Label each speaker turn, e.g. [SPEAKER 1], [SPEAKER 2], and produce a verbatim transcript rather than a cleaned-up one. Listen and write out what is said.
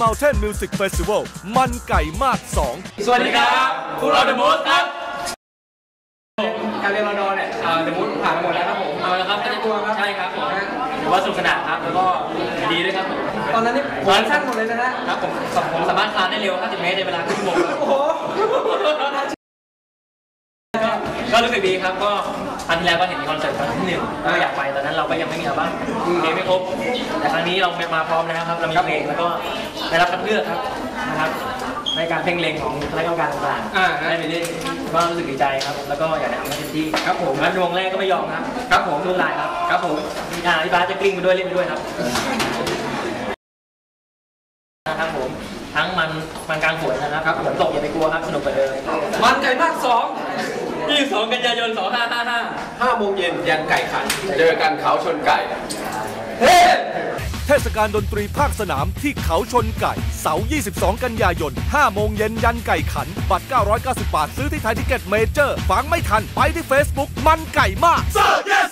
[SPEAKER 1] Mountain Music Festival มันไก่มากสอง
[SPEAKER 2] สวัสดีครับพวกเราเดอะมูสครับการเรียนรอดอเนี่ยเดอะมูสผ่านมาหมดแล้วครับผมเอาละครับไม่ต้องกลัวครับใช่ครับผมถือว่าสนุกสนานครับแล้วก็ดีด้วยครับผมตอนนั้นนี่ผมสั้นหมดเลยนะฮะครับผมผมสามารถคลานได้เร็วห้าสิบเมตรในเวลาครึ่งชั่วโมงโอ้โหก็รู้สึกดีครับก็ครั้งที่แล้วก็เห็นมีคอนเสิร์ตครั้งที่หนึ่งก็อยากไปตอนนั้นเราก็ยังไม่มีอัลบั้มเพลงไม่ครบแต่ครั้งนี้เรามาพร้อมแล้วครับเรามีเพลงแล้วก็ได้รับคัดเลือกครับนะครับในการเพ่งเล็งของคณะกรรมการต่างๆได้ไปเล่นก็รู้สึกดีใจครับแล้วก็อยากจะทำให้เต็มที่ครับผมแล้วดวงแรกก็ไม่ยอมครับครับผมรุ่นลายครับครับผมอ่าพี่บาสจะกลิ้งไปด้วยเล่นไปด้วยครับนะครับผมทั้งมันมันกลางฝนนะครับฝนตกอย่าไปกลัวครับสนุกกว่าเดิมมันไก่มากสองยี่สิบสองกันยายนสองห้าห้าห้า
[SPEAKER 3] ห้าโมงเย็นยันไก่ขันเจอกันเขาชนไก่
[SPEAKER 1] เทศกาลดนตรีภาคสนามที่เขาชนไก่เสาร์ยี่สิบสองกันยายนห้าโมงเย็นยันไก่ขันบัตรเก้าร้อยเก้าสิบบาทซื้อที่ไทยทิเก็ตเมเจอร์ฟังไม่ทันไปที่ Facebook มันไก่มาก